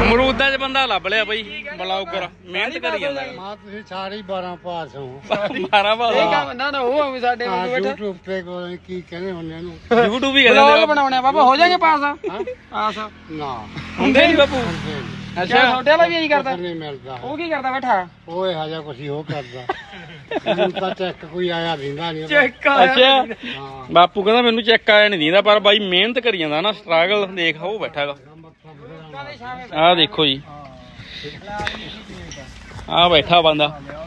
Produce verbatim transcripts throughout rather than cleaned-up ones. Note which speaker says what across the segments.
Speaker 1: ਅਮਰੂਦਾਂ 'ਚ ਬੰਦਾ ਲੱਭ ਲਿਆ ਬਈ ਬਲੌਗਰ ਮਿਹਨਤ ਕਰੀ ਜਾਂਦਾ
Speaker 2: ਮਾਂ ਤੁਸੀਂ ਸਾਰੇ ਬਾਰਾਂ ਪਾਸ ਹੋ
Speaker 1: ਮਾਰਾ ਭਾਵਾ
Speaker 3: ਇਹ ਕੰਮ ਨਾ ਨਾ ਉਹ ਐਵੇਂ ਸਾਡੇ
Speaker 2: ਹਾਂ
Speaker 3: ਵਾਂਗੂ ਬੈਠਾ
Speaker 2: YouTube ਤੇ ਕੋਈ ਕੀ ਕਹਿੰਦੇ ਹੁੰਦੇ ਇਹਨੂੰ
Speaker 1: YouTube ਹੀ ਕਹਿੰਦੇ
Speaker 3: ਬਲੌਗ ਬਣਾਉਣੇ ਬਾਬਾ ਹੋ ਜਾਗੇ ਪਾਸ ਆ ਪਾਸ
Speaker 2: ਨਾ
Speaker 1: ਹੁੰਦੇ ਨਹੀਂ ਬਾਪੂ
Speaker 3: ਅੱਛਾ ਛੋਟੇ ਵਾਲਾ ਵੀ ਇਹੀ ਕਰਦਾ
Speaker 2: ਨਹੀਂ ਮਿਲਦਾ
Speaker 3: ਉਹ ਕੀ ਕਰਦਾ ਬੈਠਾ
Speaker 2: ਉਹ ਇਹੋ ਜਿਹਾ ਕੁਛ ਹੀ ਉਹ ਕਰਦਾ ਮੈਨੂੰ ਤਾਂ ਚੈੱਕ ਕੋਈ ਆਇਆ ਦਿੰਦਾ ਨਹੀਂ
Speaker 1: ਅੱਛਾ
Speaker 2: ਹਾਂ
Speaker 1: ਬਾਪੂ ਕਹਿੰਦਾ ਮੈਨੂੰ ਚੈੱਕ ਆਇਆ ਨਹੀਂ ਦਿੰਦਾ ਪਰ ਬਾਈ ਮਿਹਨਤ ਕਰੀ ਜਾਂਦਾ ਨਾ ਸਟਰਗਲ ਦੇਖ ਉਹ ਬੈਠਾ ਹੈਗਾ ਆਹ ਦੇਖੋ ਜੀ ਆਹ ਬੈਠਾ ਬੰਦਾ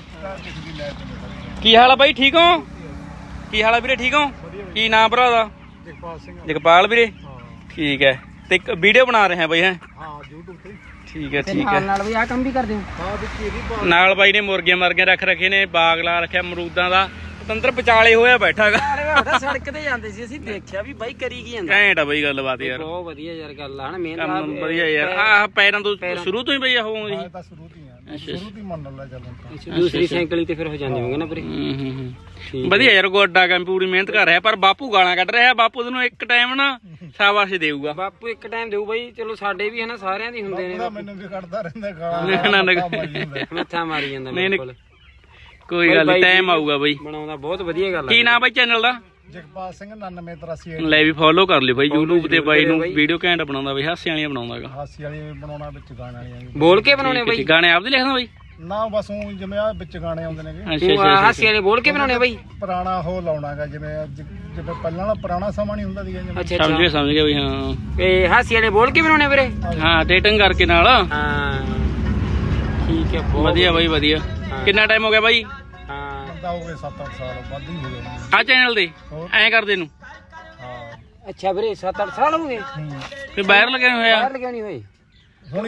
Speaker 1: ਕੀ ਹਾਲ ਆ ਬਾਈ ਠੀਕ ਹੋ ਕੀ ਹਾਲ ਆ ਵੀਰੇ ਠੀਕ ਹੋ ਕੀ ਨਾਮ ਭਰਾ ਦਾ
Speaker 2: ਜਗਪਾਲ ਸਿੰਘ
Speaker 1: ਜਗਪਾਲ ਵੀਰੇ ਠੀਕ ਹੈ ਤੇ ਇੱਕ ਵੀਡੀਓ ਬਣਾ ਰਹੇ ਆ ਬਾਈ ਹੈ
Speaker 2: ਹਾਂ YouTube ਤੇ
Speaker 1: ਠੀਕ ਹੈ ਠੀਕ ਹੈ
Speaker 3: ਨਾਲ ਵੀ ਆ ਕੰਮ ਵੀ ਕਰਦੇ ਹੋ
Speaker 2: ਹਾਂ ਵਿੱਚ ਇਹਦੀ
Speaker 1: ਨਾਲ ਬਾਈ ਨੇ ਮੁਰਗੇ ਮਰਗੇ ਰੱਖ ਰੱਖੇ ਨੇ ਬਾਗ ਲਾ ਰੱਖਿਆ ਅਮਰੂਦਾਂ ਦਾ ਪਤੰਦਰ ਵਿਚਾਲੇ ਹੋਇਆ ਬੈਠਾ ਹੈਗਾ
Speaker 3: ਅਰੇ ਸੜਕ ਤੇ ਜਾਂਦੇ ਸੀ ਅਸੀਂ ਦੇਖਿਆ ਵੀ ਬਾਈ ਕਰੀ ਕੀ ਜਾਂਦਾ
Speaker 1: ਘੈਂਟ ਆ ਬਾਈ ਗੱਲਬਾਤ ਯਾਰ
Speaker 3: ਬਹੁਤ ਵਧੀਆ ਯਾਰ ਗੱਲ ਆ ਹਨਾ ਮਿਹਨਤ
Speaker 1: ਕੰਮ ਵਧੀਆ ਯਾਰ ਆਹ ਪੈਰਾਂ ਤੋਂ ਸ਼ੁਰੂ ਤੋਂ ਹੀ ਬਈ ਆਹ ਜੀ
Speaker 2: ਤਾਂ ਸ਼ੁਰੂ ਤੋਂ ਹੀ ਆ ਸ਼ੁਰੂ ਤੋਂ ਹੀ ਮੰਨ ਲੈ ਚੱਲਣ
Speaker 3: ਦੂਸਰੀ ਸਾਈਕਲ ਤੇ ਫਿਰ ਹੋ ਜਾਂਦੇ ਹੋਗੇ ਨਾ ਵੀਰੇ
Speaker 1: ਹੂੰ ਹੂੰ ਹੂੰ ਵਧੀਆ ਯਾਰ ਗੋਡਾ ਕੰਮ ਪੂਰੀ ਮਿਹਨਤ ਕਰ ਰਿਹਾ ਪਰ ਬਾਪੂ ਗਾਲਾਂ ਕੱਢ ਰਿਹਾ ਬਾਪੂ ਤੈਨੂੰ ਇੱਕ ਟਾਈਮ ਨਾ ਸ਼ਾਬਾਸ਼ ਦੇਊਗਾ
Speaker 3: ਬਾਪੂ ਇੱਕ ਟਾਈਮ ਦੇਊ ਬਾਈ ਚਲੋ ਸਾਡੇ ਵੀ ਹਨਾ ਸਾਰਿਆਂ ਦੀ ਹੁੰਦੇ ਨੇ
Speaker 2: ਮੈਨੂੰ ਵੀ ਕੱਢਦਾ ਰਹਿੰਦਾ
Speaker 1: ਨਾ ਨਾ
Speaker 3: ਮੱਥਾ ਮਾਰੀ ਜਾਂਦਾ
Speaker 1: ਨਹੀਂ
Speaker 3: ਮੇਰੇ ਕੋਲ
Speaker 1: ਕੋਈ ਗੱਲ ਨਹੀਂ ਟਾਈਮ ਆਊਗਾ ਬਾਈ
Speaker 3: ਬਣਾਉਂਦਾ ਬਹੁਤ ਵਧੀਆ ਗੱਲ ਆ
Speaker 1: ਕੀ ਨਾਮ ਬਾਈ ਚੈਨਲ ਦਾ
Speaker 2: ਜਗਪਾਲ ਸਿੰਘ ਨਾਨਵੇਂ ਤਰਾਸੀ
Speaker 1: ਲੈ ਵੀ ਫੋਲੋ ਕਰ ਲਿਓ ਬਾਈ YouTube ਤੇ ਬਾਈ ਨੂੰ ਵੀਡੀਓ ਘੈਂਟ ਬਣਾਉਂਦਾ ਬਾਈ ਹਾਸੇ ਵਾਲੀਆਂ ਬਣਾਉਂਦਾ ਹੈਗਾ
Speaker 2: ਹਾਸੀ ਵਾਲੀ ਬਣਾਉਣਾ ਵਿੱਚ ਗਾਣੇ ਵਾਲੀਆਂ ਵੀ
Speaker 3: ਬੋਲ ਕੇ ਬਣਾਉਣੇ ਬਾਈ
Speaker 1: ਗਾਣੇ ਆਪਦੇ ਲਿਖਦਾ ਬਾਈ
Speaker 2: ਨਾ ਬਸ ਉਹ ਜਿਵੇਂ ਆ ਵਿੱਚ ਗਾਣੇ ਆਉਂਦੇ ਨੇਗੇ
Speaker 1: ਅੱਛਾ
Speaker 3: ਤੂੰ
Speaker 1: ਅੱਛਾ
Speaker 3: ਹਾਸੀ ਵਾਲੇ ਬੋਲ ਕੇ ਬਣਾਉਣੇ ਬਾਈ
Speaker 2: ਪੁਰਾਣਾ ਉਹ ਲਾਉਣਾਗਾ ਜਿਵੇਂ ਅੱਜ ਜਿਵੇਂ ਪਹਿਲਾਂ ਵਾਲਾ ਪੁਰਾਣਾ ਸਮਾਂ ਨਹੀਂ ਹੁੰਦਾ ਸੀਗਾ ਜਿਵੇਂ
Speaker 3: ਅੱਛਾ
Speaker 1: ਸਮਝ
Speaker 3: ਅੱਛਾ
Speaker 1: ਗਿਆ ਸਮਝ ਗਿਆ ਬਈ ਹਾਂ
Speaker 3: ਇਹ ਹਾਸੀ ਵਾਲੇ ਬੋਲ ਕੇ ਬਣਾਉਣੇ ਵੀਰੇ
Speaker 1: ਹਾਂ ਡੇਟਿੰਗ ਕਰਕੇ ਨਾਲ
Speaker 3: ਹਾਂ ਠੀਕ ਹੈ ਬਹੁਤ
Speaker 1: ਵਧੀਆ ਬਾਈ ਵਧੀਆ ਕਿੰਨਾ ਟਾਈਮ ਹੋ ਗਿਆ ਬਾਈ
Speaker 3: ਹਾਂ
Speaker 2: ਬੰਦਾ ਹੋ ਗਏ ਸੱਤ ਅੱਠ ਸਾਲ ਵੱਧ ਹੀ ਹੋ ਗਏ ਨੇ।
Speaker 1: ਆ ਚੈਨਲ ਤੇ ਐਂ ਕਰਦੇ ਨੂੰ
Speaker 2: ਹਾਂ
Speaker 3: ਅੱਛਾ ਵੀਰੇ ਸੱਤ ਅੱਠ ਸਾਲ ਹੋ ਗਏ
Speaker 2: ਹੂੰ
Speaker 1: ਫਿਰ ਬਾਹਰ ਲਗਾਏ ਹੋਇਆ
Speaker 3: ਬਾਹਰ ਲਗਾਉਣੀ ਹੋਈ